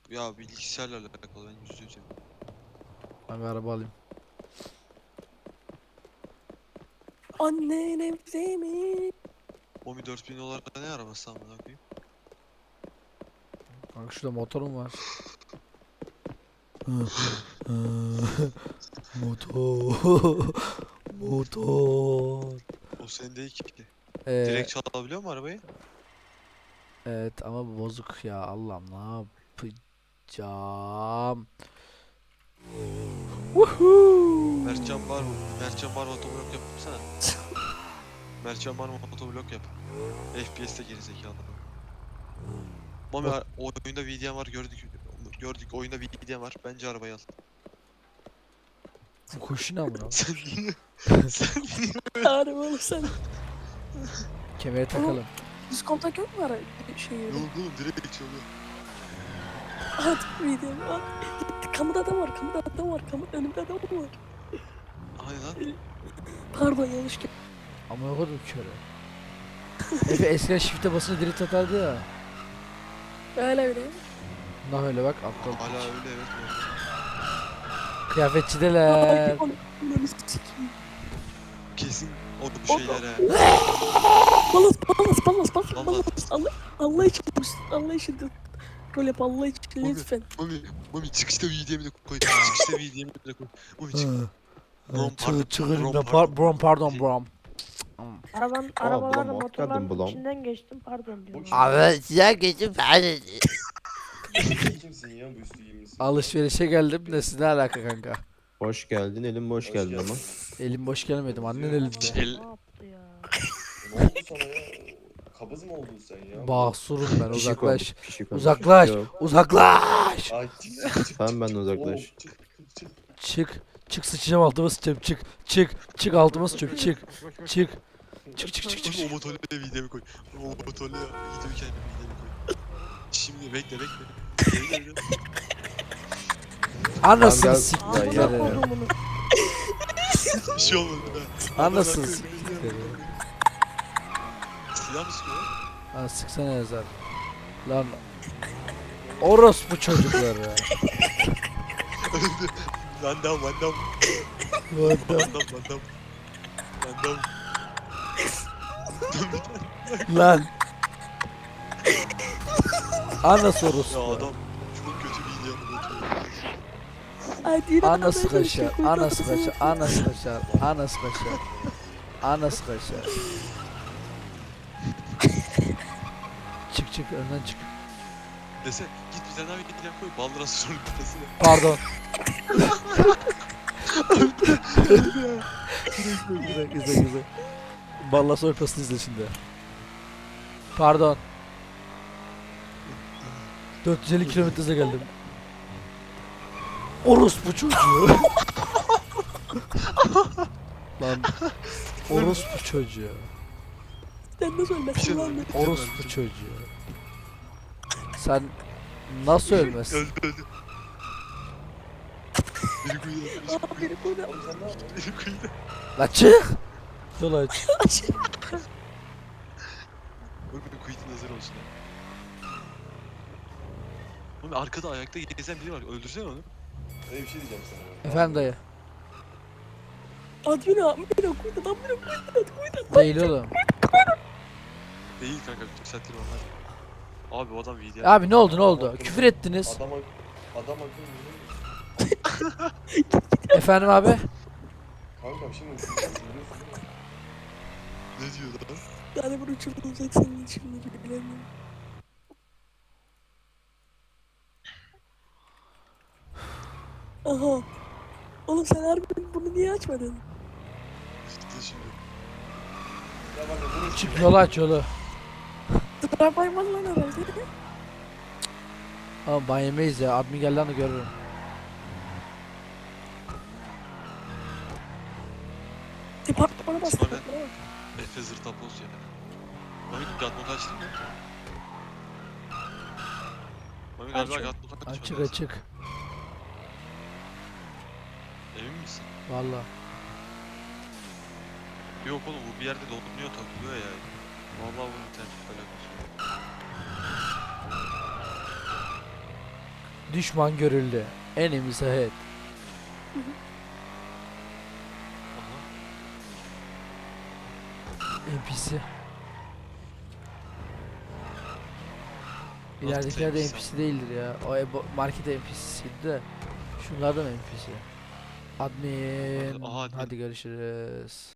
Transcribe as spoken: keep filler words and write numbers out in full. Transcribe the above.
Ya bilgisayarla alakalı ben yüzde yüz eminim. Ben bir araba alayım. Annen evde mi? Omi dört bin dolar ne arabası amına koyayım? Kanka şurada motorum var. Motor. Motor. O senin değil ki. Ee, Direkt çalabiliyor mu arabayı? evet ama bu bozuk ya. Allah'ım ne yapacağım? Woohoo! Mertcan Bar, Mertcan Bar motovlog yapsana. Mertcan Bar motovlog yap. F P S'te gerizekalı. Mami Bak. ar- oyunda V D M var gördük. Gördük oyunda V D M var. Bence arabayı al. Bu kuşuna mı? Sen niye? Sen niye? Harbi oğlum sen. Kemere takalım. Düz kontak yok mu ara şey Yok yeri? oğlum direkt çalıyor. At video at. Kamuda adam var, kamuda adam var, kamuda önümde adam var. Hani lan? Pardon yanlış ki. Ama o kadar köre. Efe eskiden shift'e basınca direkt atardı ya. Öyle öyle. Nah öyle bak aptal. Hala öyle evet. bu arada. Kıyafetçideler. Ay, onu- onu sikeyim. Kesin o O- şeyler he. Balas balas balas balas Vallahi- balas. Allah, Allah için Allah için de rol yap Allah için Mami, lütfen. Mami, Mami çıkışta V D M'i de koy. Çıkışta V D M'i de koy. Mami çık. Brom pardon. Çık çık önümden. Brom Par brom pardon Şey- brom. Araban, Aa, arabalarla bulam, hoş geldin motorların bulam. içinden geçtim pardon diyorum. Bu- Abi size geçip ben Kimsin ya bu üstü giymişsin? alışverişe geldim de siz ne alaka kanka? Hoş geldin, elim boş Hoş geldi geldin. ama. Elim boş gelmedim annen El- elinde. El- Ne yaptı ya? Ne oldu sana ya? Kabız mı oldun sen ya? Basurum ben Pişik uzaklaş. olmuş, pişik olmuş. Uzaklaş. Yok, Uzaklaş. Ay çık çık çık. sen benden Oğlum, uzaklaş. çık çık çık. Çık. Çık sıçacağım altıma sıçacağım çık. Çık. Çık altıma sıçacağım çık. Çık. Çık çık çık çık. Mami o motorla V D M'i koy. O motorla gidiyor kendine V D M'i koy. Şimdi bekle bekle. Bekle, bekle. Anasını Tamam, gel. siktir. Ya, Amına ya. kodumun. Bir şey olmadı ha. Anasını Amına siktir. koyayım. Silah mı sıkıyor? Lan sıksana yazar. Lan. Orospu çocukları. Öldü. Van Damme, Van Damme. Bu adam. Van Damme, Van Damme. Van Damme. Lan. Anası Ya orospu. adam çok kötü bir video yapıyor. Hadi yine Anası adamlar kaşar. konuşuyor, Anası kuyruğu kaşar. Anası kaşar. Anası kaşar. Anası kaşar. Çık çık önden çık. Dese git bir tane daha video koy. Baldıra sorun bitmesine. Pardon. Güzel güzel güzel. Balla sorpasını izle şimdi. Pardon. dört yüz elli kilometre hıza geldim. Orospu çocuğu. Lan. Orospu çocuğu. Sen nasıl ölmezsin lan? Orospu çocuğu. Sen nasıl ölmezsin? Öldü öldü. Biri kuyuda. Biri Aa beni koydu. Oğlum sen ne yapıyorsun? Biri kuyuda. La çık. Yol aç. Bakın kuyutun hazır olsun. Oğlum arkada ayakta gezen biri var. Öldürsene onu. Öyle bir şey diyeceğim sana. Efendim dayı. At beni at beni koydu lan beni koydu koydu. Değil oğlum. Değil kanka. Yükseltir onlar. Abi o adam video. Abi ne oldu ne oldu? Küfür ettiniz. Adam ak adam akıllı. Efendim abi. Kankam şimdi uçuracağız biliyorsun değil mi? Ne diyor lan? Yani bunu uçurulacak senin için mi bilemiyorum. Aha. Oğlum sen harbi bunu niye açmadın? İşte şimdi. Ya bak ya bunu Çık yolu aç yolu. Tıprak var lan herhalde. Ama ban yemeyiz ya. Admin gel lan da görürüm. Tıprak bana bastı. Sonra- bana bak. Efe zırtapoz ya. Mami gatmot açtın mı? Mami galiba Açıyorum. gatmot açmadı. Açık açık. Emin misin? Valla. Yok oğlum bu bir yerde donuyor takılıyor ya. Vallahi bu internet alakası yok. Düşman görüldü. Enemies ahead. Aha. N P C. Nasıl İleridekiler de N P C N P C değildir ya. O ebo- market N P C'siydi de. Şunlar da mı N P C? Admin. Aha, admin. Hadi görüşürüz.